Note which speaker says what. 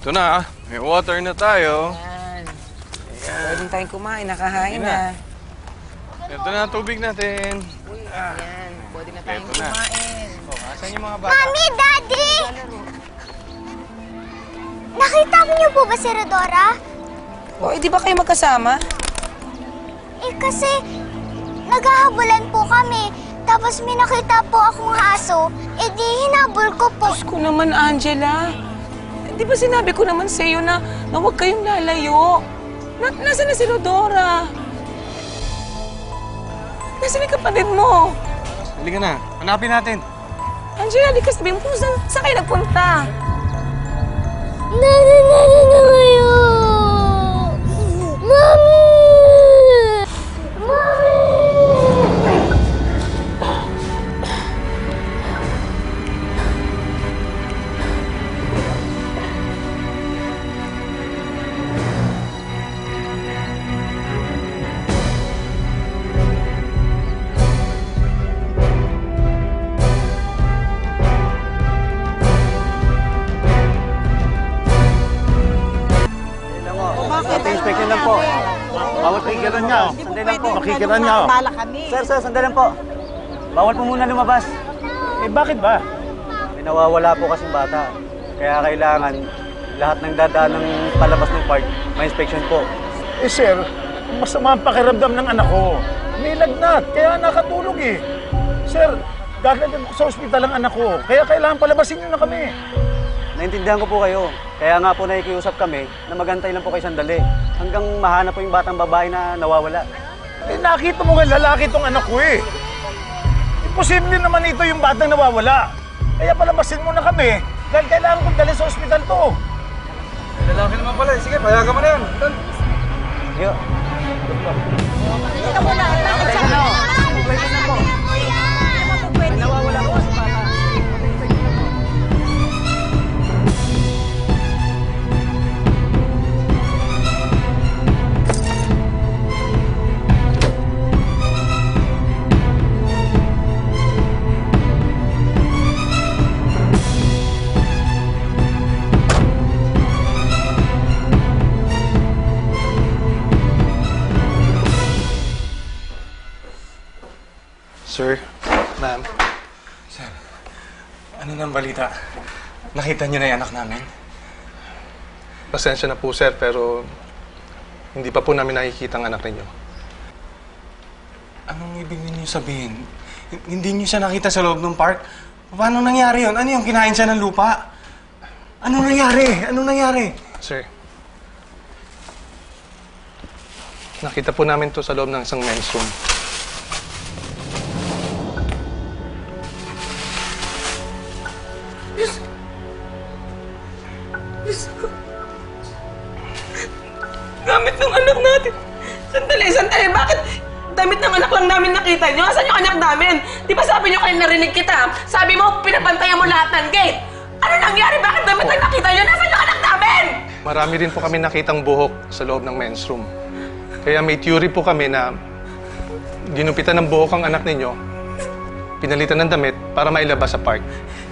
Speaker 1: Ito na, may water na tayo.
Speaker 2: Yan.
Speaker 1: Ayan.
Speaker 2: Pwede tayong kumain, nakahain na.
Speaker 1: Ito na tubig natin.
Speaker 2: Uy, yan. Pwede na tayong
Speaker 1: Ito na.
Speaker 2: kumain.
Speaker 1: Oh, asan yung mga bata?
Speaker 3: Mami, Daddy! Nakita niyo po ba si Rodora?
Speaker 2: O, di ba kayo magkasama?
Speaker 3: Eh kasi, naghahabulan po kami. Tapos may nakita po akong aso. Eh di, hinabol ko po.
Speaker 2: Diyos ko naman, Angela. Di ba sinabi ko naman sa iyo na huwag kayong lalayo? Nasaan na si Rodora? Nasaan yung kapatid mo?
Speaker 1: Halika na, hanapin natin.
Speaker 2: Angela, di ka sabihin mo kung saan kayo nagpunta?
Speaker 3: Nana kayo! Mami! Mami!
Speaker 4: Inspection lang po. Bawal makikiran niya. Sandali lang po. Makikiran niya. Sir, sandali lang po. Bawal po muna lumabas. Eh, bakit ba? May nawawala po kasing bata. Kaya kailangan lahat ng dadaan ng palabas ng park, may inspection po.
Speaker 5: Eh, sir, masama ang pakiramdam ng anak ko. May lagnat, kaya nakatulog eh. Sir, dadalhin ko sa ospital ang anak ko. Kaya kailangan palabasin niyo na kami.
Speaker 4: Naintindihan ko po kayo. Kaya nga po nakikiusap kami na magantay lang po kayo sandali hanggang mahanap po yung batang babae na nawawala.
Speaker 5: Eh, nakita mo nga lalaki itong anak ko eh. Imposible naman ito yung batang nawawala. Kaya palabasin mo na kami dahil kailangan kong dalhin sa ospital to.
Speaker 1: Lalaki naman pala. Sige, payagan mo na yan.
Speaker 4: Sige. Nawawala po si bata.
Speaker 1: Sir, ma'am. Sir, ano nang balita? Nakita niyo na yung anak namin?
Speaker 6: Pasensya na po, sir, pero hindi pa po namin nakikita ang anak ninyo.
Speaker 1: Anong ibig niyo sabihin? Hindi niyo siya nakita sa loob ng park? Paano nangyari yun? Ano yung kinain siya ng lupa? Anong nangyari? Anong nangyari?
Speaker 6: Sir, nakita po namin to sa loob ng isang men's room.
Speaker 2: Gamit ng anak natin. Sandali. Bakit damit ng anak lang namin nakita nyo? Asan yung anak namin? Di ba sabi nyo kayo narinig kita? Sabi mo, pinapantayan mo lahat ng gate. Ano nangyari? Bakit damit lang nakita nyo? Nasaan yung anak namin?
Speaker 6: Marami rin po kami nakitang buhok sa loob ng men's room. Kaya may theory po kami na ginupitan ng buhok ang anak ninyo, pinalitan ng damit para mailabas sa park.